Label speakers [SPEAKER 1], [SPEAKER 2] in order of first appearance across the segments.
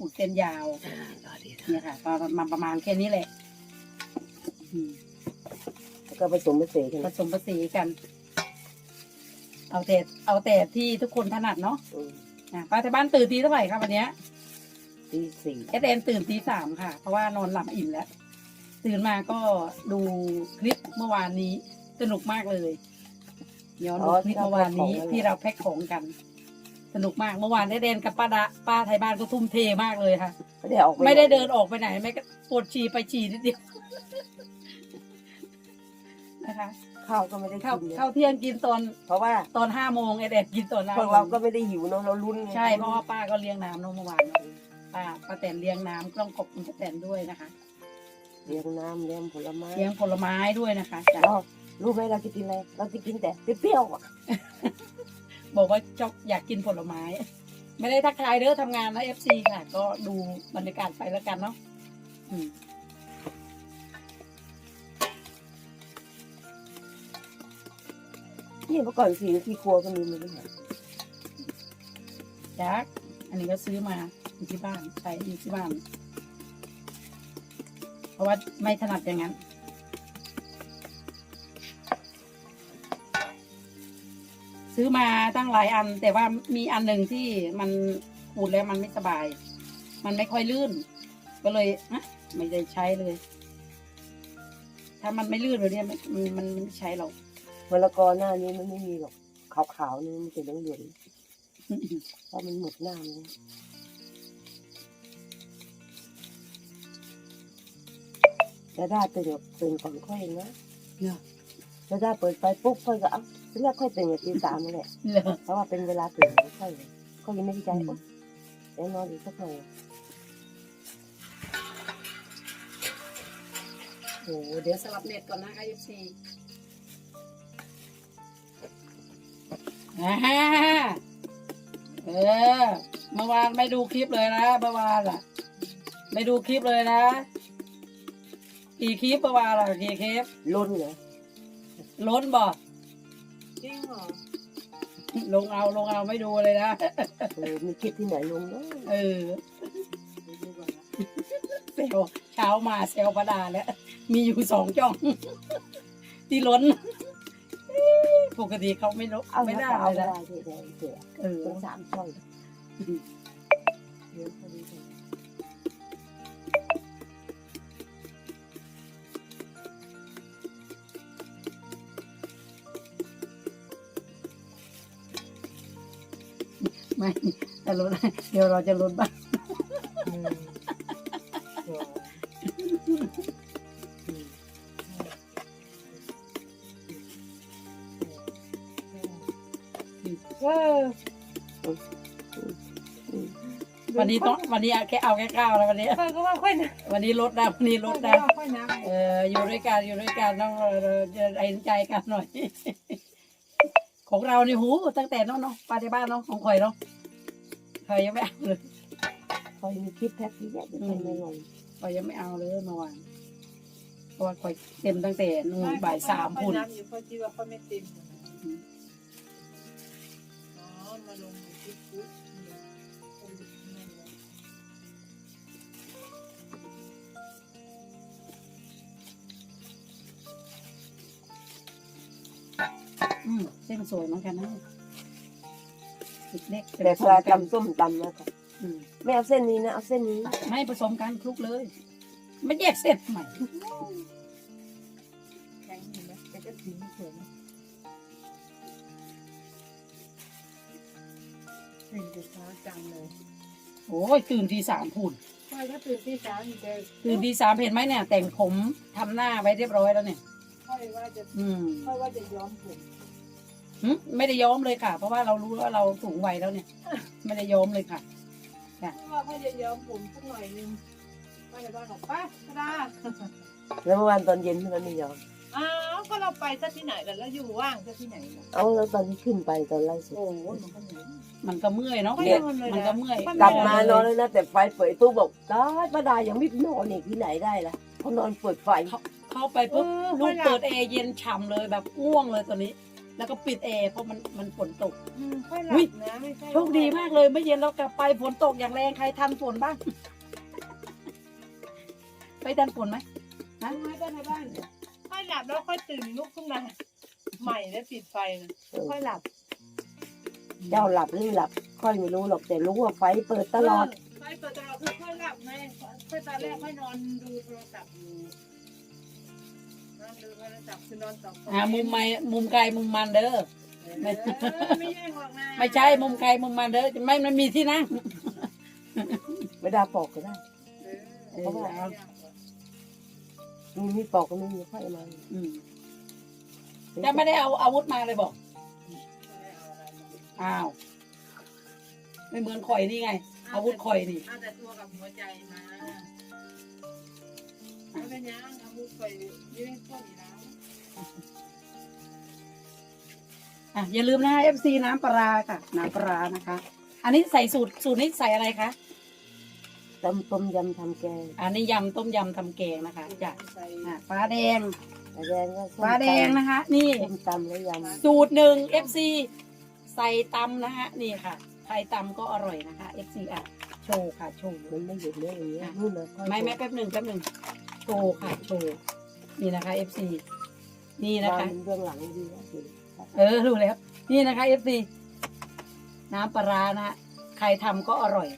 [SPEAKER 1] ขูดเส้นยาวเนี่ยค่ะประมาณแค่นี้แหละ
[SPEAKER 2] แล้วก็ผสมผสานกัน
[SPEAKER 1] ผสมผสานกัน เอาแต่ที่ทุกคนถนัดเนาะป้าที่บ้านตื่นตีเท่าไหร่ครับวันเนี้ย
[SPEAKER 2] ตี 4
[SPEAKER 1] แอดแอนตื่นตี 3ค่ะเพราะว่านอนหลับอิ่มแล้วตื่นมาก็ดูคลิปเมื่อวานนี้สนุกมากเลยย้อนดูคลิปเมื่อวานนี้ที่เราแพ็คของกันสนุกมากเมื่อวานได้เดินกับป้าไทยบ้านก็ทุ่มเทมากเลยค่ะไม่ได้เดินออกไปไหนไม่ก็ปวดฉี่ไปฉี่นิดเดียวนะคะ
[SPEAKER 2] ข้าวก็ไม่ได้กิน
[SPEAKER 1] ข้าวเที่ยงกินตอน
[SPEAKER 2] เพราะว่า
[SPEAKER 1] ตอน5 โมงไอเด็กกินตอน
[SPEAKER 2] พวกเราก็ไม่ได้หิวเนาะเราลุ้น
[SPEAKER 1] ใช่เพราะว่าป้าก็เลี้ยงน้ำเมื่อวานป้าแตนเลี้ยงน้ำต้องขอบคุณป้าแตนด้วยนะคะ
[SPEAKER 2] เลี้ยงน้ำเลี้ยงผลไม้
[SPEAKER 1] ด้วยนะคะจ้ะ
[SPEAKER 2] รู้ไหมเราจะกินอะไรเราจะกินแต่เปรี้ยว
[SPEAKER 1] บอกว่าอยากกินผลไม้ไม่ได้ทักทายเด้อทำงานนะ FC ค่ะก็ดูบรรยากาศไปแล้วกันเนาะ
[SPEAKER 2] นี่เมื่อก่อนสีที่ครัวก็มีมันไม่เหมือน
[SPEAKER 1] ยักษ์อันนี้ก็ซื้อมาอยู่ที่บ้านใส่อยู่ที่บ้านเพราะว่าไม่ถนัดอย่างนั้นซื้อมาตั้งหลายอันแต่ว่ามีอันหนึ่งที่มันขูดแล้วมันไม่สบายมันไม่ค่อยลื่นก็เลยไม่ได้ใช้เลยถ้ามันไม่ลื่นแบบนี้มันไม่ใช้หรอก
[SPEAKER 2] มะละกอหน้านี้มันไม่มีหรอกขาวๆนี่มันจะเหลืองๆเพราะมันหมดหน้าเลยจะได้ตื่นก่อนค่อยนะจะได้เปิดไฟปุ๊บค่อยก็เรียกค่อยตื่นตี 3นั่นแหละเพราะว่าเป็นเวลาตื่นค่อยยังไม่ได้ใจเดี๋ยวนอนอีกสักหน่อย
[SPEAKER 1] โอ้เดี๋ยวสลับเน็ตก่อนนะคะFCเมื่อวานไม่ดูคลิปเลยนะเมื่อวานอ่ะไม่ดูคลิปเลยนะกี่คลิปเมื่อวานอ่ะกี่คลิป
[SPEAKER 2] ล้นเหรอ
[SPEAKER 1] ล้นบ่
[SPEAKER 2] จริงเหรอ
[SPEAKER 1] ลงเอาไม่ดูเลยนะ
[SPEAKER 2] มีคลิปที่ไหนลงเนาะ
[SPEAKER 1] เซลเช้ามาเซลประดาแล้วมีอยู่2 ช่องที่ล้นปกติเขาไม่ลดไม่ได้เลยนะ
[SPEAKER 2] ต้อง3 ช่องเยอะพอดี
[SPEAKER 1] ไม่แต่ลดเดี๋ยวเราจะลดบ้างวันนี้แค่เอาแค่9แล้ววันนี้
[SPEAKER 2] ก็ว่าค่อยนะ
[SPEAKER 1] วันนี้ลดนะวันนี้ลดนะอยู่ด้วยกันต้องเห็นใจกันหน่อยของเรานี่หูตั้งแต่น้องปาที่บ้านน้องของข่อยเนาะข่อยยังไม่เอาเลย
[SPEAKER 2] ข่อยมีคลิปแพ็คที่แยกไม่ลง
[SPEAKER 1] ข่อยยังไม่เอาเลยเมื่อวานเพราะว่าข่อยเต็มตั้งแต่นู่นบ่าย 3พุ่น
[SPEAKER 3] อยู่เพราะที่ว่าเขาไม่เต็มมาลงที่ปุ๊บ
[SPEAKER 1] เส้นสวยเหมือนกันนะเล็ก
[SPEAKER 2] แต่พอทำส้มตำนะคะไม่เอาเส้นนี้นะเอาเส้นนี้
[SPEAKER 1] ไม่ผสมกันคลุกเลยไม่แยกเส้นใหม่
[SPEAKER 3] แข็งอยู่นะแต่ก็ถึงเฉยนะตื่นช้าจังเลย
[SPEAKER 1] โอ้ยตื่นตี 3พุ่น
[SPEAKER 3] ใช่ก็ตื่นตี 3อยู่เลย
[SPEAKER 1] ตื่นตี 3เห็นไหมเนี่ยแต่งผมทำหน้าไว้เรียบร้อยแล้วเนี่ย
[SPEAKER 3] ค่อยว่าจะย้อมผม
[SPEAKER 1] ไม่ได้ย้อมเลยค่ะเพราะว่าเรารู้ว่าเราสูงวัยแล้วเนี่ยไม่ได้ย้อมเลยค่ะ
[SPEAKER 3] ว่าค่อยจะย้อมผมสักหน่อยนึงป้าจะบอกป้าก็ได้
[SPEAKER 2] แล้วเมื่อวานตอนเย็นที่มันไม่ย้อม
[SPEAKER 3] ก็เราไปซะที่ไหนกันแล้วอยู่ว่างซะที่ไหน
[SPEAKER 2] แล้วตอนที่ขึ้นไปตอนไล่สุด
[SPEAKER 1] มันก็เมื่อยเนาะมันก็เมื่อย
[SPEAKER 2] กลับมานอนเลยนะแต่ไฟเปิดตู้บอกได้ป้าดายังไม่นอนอีกที่ไหนได้ล่ะเขานอนเปิดไฟ
[SPEAKER 1] เข้าไปปุ๊บลูกเปิดแอร์เย็นฉ่ำเลยแบบง่วงเลยตอนนี้แล้วก็ปิดแอร์เพราะมันฝนตก
[SPEAKER 3] ค่อยหลั
[SPEAKER 1] อุ๊ย
[SPEAKER 3] บนะไม่ใช่
[SPEAKER 1] โชคดีมากเลยเมื่อเย็นเรากลับไปฝนตกอย่างแรงใครทันฝนบ้าง ไปทันฝนไหม
[SPEAKER 3] ทำไมบ้านในบ้านค่อยหลับแล้วค่อยตื่นลุกขึ้นมาใหม่แล้วปิดไฟนะค่อยหลับ
[SPEAKER 2] เจ้าหลับหรือหลับ ค่อยไม่รู้หรอกแต่รู้ว่าไฟเปิดตลอด
[SPEAKER 3] ไฟเปิดตลอดคือค่อยหลับไงค่อยตอนแรกค่อยนอนดูโทรศัพท์อยู่นอนดูโทรศัพท์คือนอนต่อ
[SPEAKER 1] มุมไม้มุมไกลมุมมันเด้อ
[SPEAKER 3] ไม่แย่งหรอกนะ
[SPEAKER 1] ไม่ใช่มุมไกลมุมมันเด้อไม่มันมีที่นั่ง
[SPEAKER 2] ไม่ได้ปอกก็ได้
[SPEAKER 1] เพราะว่า
[SPEAKER 2] มีปอกก็ไม่มีค่อยมา
[SPEAKER 1] จะไม่ได้เอาอาวุธมาเลยบอกอ้าวไม่เหมือนข่อยนี่ไง อาวุธข่อยนี่
[SPEAKER 3] เอาแต่ตัวกับหัวใจมาไม่เป็นยังอาวุธข่อยยืนต้นอยู่แล้ว
[SPEAKER 1] อย่าลืมนะคะ FC น้ำปลาร้าค่ะน้ำปลาร้านะคะ อันนี้ใส่สูตรนี้ใส่อะไรคะ
[SPEAKER 2] ต้มยำทำแกง
[SPEAKER 1] อันนี้ยำต้มยำทำแกงนะคะจ้ะ
[SPEAKER 3] ใส่
[SPEAKER 1] ฟ้าแดง
[SPEAKER 2] แดงก็ส้ม
[SPEAKER 1] ฟ้าแดงนะคะ นี่
[SPEAKER 2] ส้มตำและย
[SPEAKER 1] สูตรหนึ่ง FC ใส่ตำนะคะนี่ค่ะใส่ตำก็อร่อยนะคะ FC โชว์ค่ะโชว์
[SPEAKER 2] ำมันไม่หยุดเลยอย่างเงี้ยนู่นนะค่อย
[SPEAKER 1] ไม่แป๊บหนึ่งโชว์ค่ะโชว์นี่นะคะ FC นี่นะคะ
[SPEAKER 2] วางเบื้องหลังดีนะสิ
[SPEAKER 1] รู้แล้ว นี่นะคะ FC น้ำปลาร้านะฮะใครทำก็อร่อย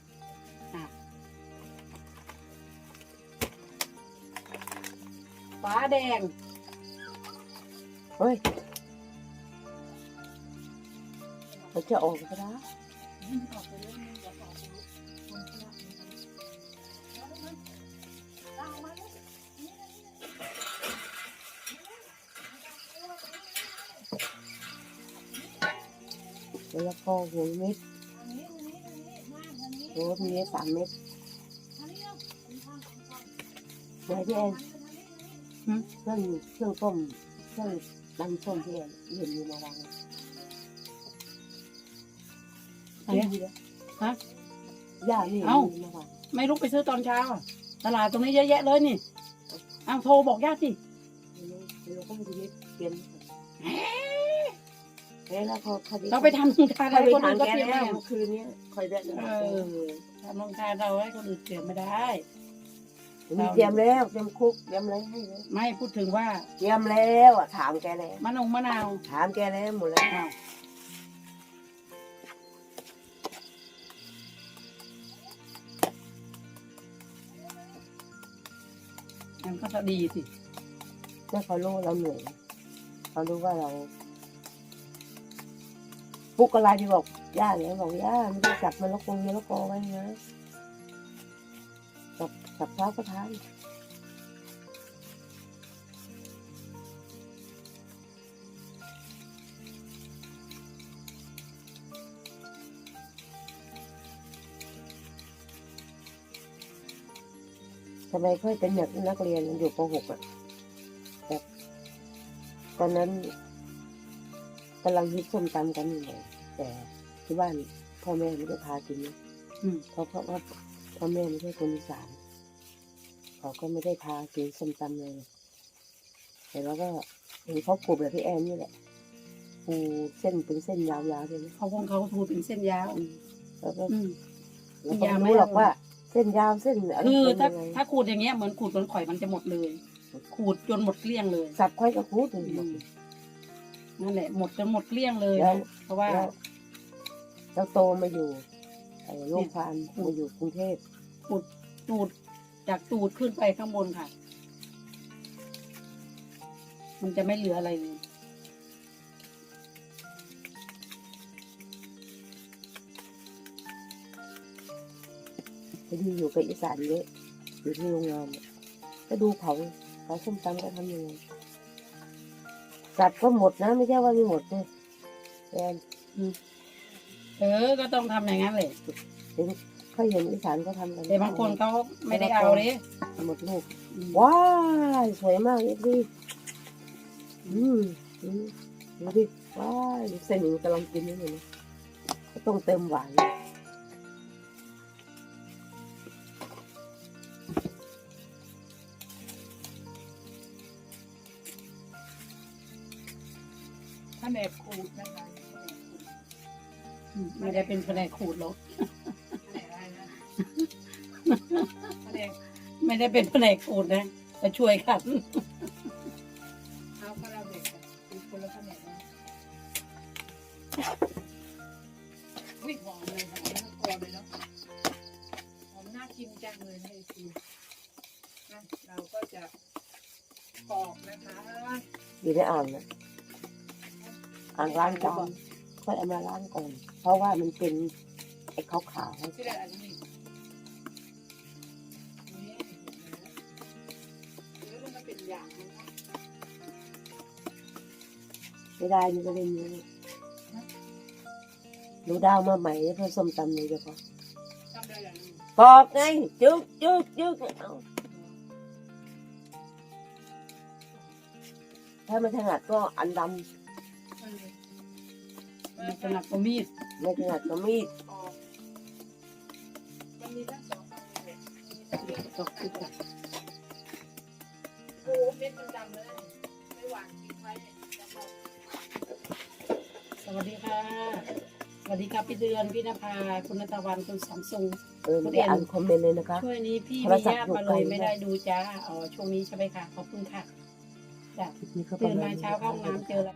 [SPEAKER 1] ฟ้าแดง
[SPEAKER 2] เฮ้ยมันจะออกก็ได้
[SPEAKER 3] ออกไปเรื่องนึงจะออกไปคนที่รักเอามาเลย
[SPEAKER 2] แล้วก็หัวเม็ด
[SPEAKER 3] อันนี้มาอันนี้
[SPEAKER 2] หัวมี3 เม็ด
[SPEAKER 3] อันนี้
[SPEAKER 2] ไหนพี่แอนเครื่องต้มเครื่องตำส้มพี่แอนเห็นมีมาวาง
[SPEAKER 1] อันนี้ฮะ
[SPEAKER 2] ย่านี่
[SPEAKER 1] เอ้า
[SPEAKER 2] มีมาวาง
[SPEAKER 1] ไม่ลุกไปซื้อตอนเช้าอะตลาดตรงนี้เยอะแยะเลยนี่เอาโทรบอกญาติสิ
[SPEAKER 2] เราก็ไม่ได้เตรียมแล้วพอคดี
[SPEAKER 1] เราไปทำโรงทาน
[SPEAKER 2] คอย
[SPEAKER 1] ให้
[SPEAKER 2] ไป
[SPEAKER 1] คน
[SPEAKER 2] ทา
[SPEAKER 1] อื่
[SPEAKER 2] ง
[SPEAKER 1] นก็
[SPEAKER 2] แก
[SPEAKER 1] เตรียม
[SPEAKER 2] แล้
[SPEAKER 1] ไม่
[SPEAKER 2] ว
[SPEAKER 1] ได้
[SPEAKER 2] คืนนี้คอยได้
[SPEAKER 1] ทำโรงทานเราให้คนอื่นเตรียมไม่ได้
[SPEAKER 2] มีเตรียมแล้วเตรียมคุกเตรียมอะไรให้เลย
[SPEAKER 1] ไม่พูดถึงว่า
[SPEAKER 2] เตรียมแล้วอ่ะถามแกแล้ว
[SPEAKER 1] มะนาว
[SPEAKER 2] ถามแกแล้วหมดแล้ว
[SPEAKER 1] อ้าวมันก็จะดีสิ
[SPEAKER 2] เมื่อเขารู้เราเหนื่อยเขารู้ว่าเราปุ๊กอะไรที่บอกย่าเนี่ยบอกย่าไม่ได้จับมะละกอไว้นะจับเช้าก็ทานทำไมค่อยเป็นแบบนักเรียนอยู่ป .6 อ่ะแบบตอนนั้นกำลังฮิตส้มตำกันอยู่เลยแต่ที่บ้านพ่อแม่ไม่ได้พากินนะ เพราะว่าพ่อแม่ไม่ใช่คนอีสานเขาก็ไม่ได้พากินส้มตำเลยแต่เราก็เห็นเขาปลูกแบบพี่แอนนี่แหละปูเส้นเป็นเส้นยาวๆเลยนะ
[SPEAKER 1] เขาทูเป็นเส้นยาว
[SPEAKER 2] แล้วก็
[SPEAKER 1] อืม
[SPEAKER 2] เราก็ไม่รู้หรอกว่า เส้นยาวเส้นอะไร
[SPEAKER 1] คือ
[SPEAKER 2] เป็น
[SPEAKER 1] ถ้า
[SPEAKER 2] ยังไง
[SPEAKER 1] ถ้าขูดอย่างเงี้ยเหมือนขูดจนข่อยมันจะหมดเลย ขูดจนหมดเกลี้ยงเลย
[SPEAKER 2] สับค่อยกับคูดเลยหมด
[SPEAKER 1] นั่นแหละหมดจนหมดเกลี้ยงเลย
[SPEAKER 2] แล้ว
[SPEAKER 1] เพราะว่า
[SPEAKER 2] แล้วโตมาอยู่โรงพยาบาลมาอยู่กรุงเทพ
[SPEAKER 1] ตูดจากตูดขึ้นไปข้างบนค่ะ มันจะไม่เหลืออะไรเลย
[SPEAKER 2] พอดีอยู่กับอีสานเยอะอยู่ที่โรงงานเนี่ยก็ดูเขาส้มตำก็ทำยังไงสัตว์ก็หมดนะไม่ใช่ว่าไม่หมดเนี่ยแอน
[SPEAKER 1] ก็ต้องทำอย่างนั้นเลย
[SPEAKER 2] เคยเห็นอีสานเขาทำกัน
[SPEAKER 1] แต่บางคนเขาไม่ได้เอาเลย
[SPEAKER 2] หมดลูกว้ายสวยมากเอ็ดดี้ดูดิว้ายเส้นกำลังกินนี่เลยนะก็ต้องเติมหวาน
[SPEAKER 3] แผนกครัวขูดนะคะแผนกขูด
[SPEAKER 1] ไม่ได้เป็นแผนกขูดหรอก
[SPEAKER 3] แผนกอะไรนะแผนก
[SPEAKER 1] ไม่ได้เป็นแผนกขูดนะมาช่วยขัด
[SPEAKER 3] เอาข้าวเด็กกับอีกคนละแผนกนะวิ่งหอมเลยหอมทั้งตัวเลยเนาะหอมน่ากินจังเลยนะไอซีนะเราก็จะปอกนะคะ
[SPEAKER 2] อยู่ในอ่างนะอ่างล้างจานค่อยเอามาล้างก่อนเพราะว่ามันเป็นไอ้ขาวๆ
[SPEAKER 3] ที่ได้อันนี้นี่แล้วมันเป็นอย่างมันนะ
[SPEAKER 2] ไม่ได้นี่ก็เล่นนี้หนูดาวมาใหม่เพื่อส้มตำเลยเฉพาะ
[SPEAKER 3] ทำได้อย่างนี้
[SPEAKER 2] ปอกไงจึ๊กจึ๊กจึ๊กเอาถ้าไม่ถนัดก็อันด
[SPEAKER 1] มีสนับก็มีด
[SPEAKER 2] ำไม่ถนัดก็มีด
[SPEAKER 3] ออกมันมีทั้งสองอันเลยมีทั้ง
[SPEAKER 1] ตกติดกัน
[SPEAKER 3] โอ้เม็ดมันดำเลยไม่หวานทิ้งไว้เนี่ยแล้วก็
[SPEAKER 1] สวัสดีค่ะสวัสดีครับพี่เดือนพี่นภาคุณณตะวันคุณสัมซุง
[SPEAKER 2] ไม่ได้อ่านคอมเมนต์เลยนะคะ
[SPEAKER 1] ช่วยนี้พี่
[SPEAKER 2] โทร
[SPEAKER 1] มี
[SPEAKER 2] ศัพท์
[SPEAKER 1] ญาติ
[SPEAKER 2] อยู่
[SPEAKER 1] มา
[SPEAKER 2] ไก
[SPEAKER 1] เล
[SPEAKER 2] ล
[SPEAKER 1] ยไม่ได้ดูจ้าอ๋อช่วงนี้ใช่ไหมคะขอบคุณค่ะจ้ะ
[SPEAKER 2] คลิปนี้ก็ประ
[SPEAKER 1] ตื่น
[SPEAKER 2] มา
[SPEAKER 1] มา
[SPEAKER 2] ณ
[SPEAKER 1] เช้าเข้าห้องน้ำเจอแล้ว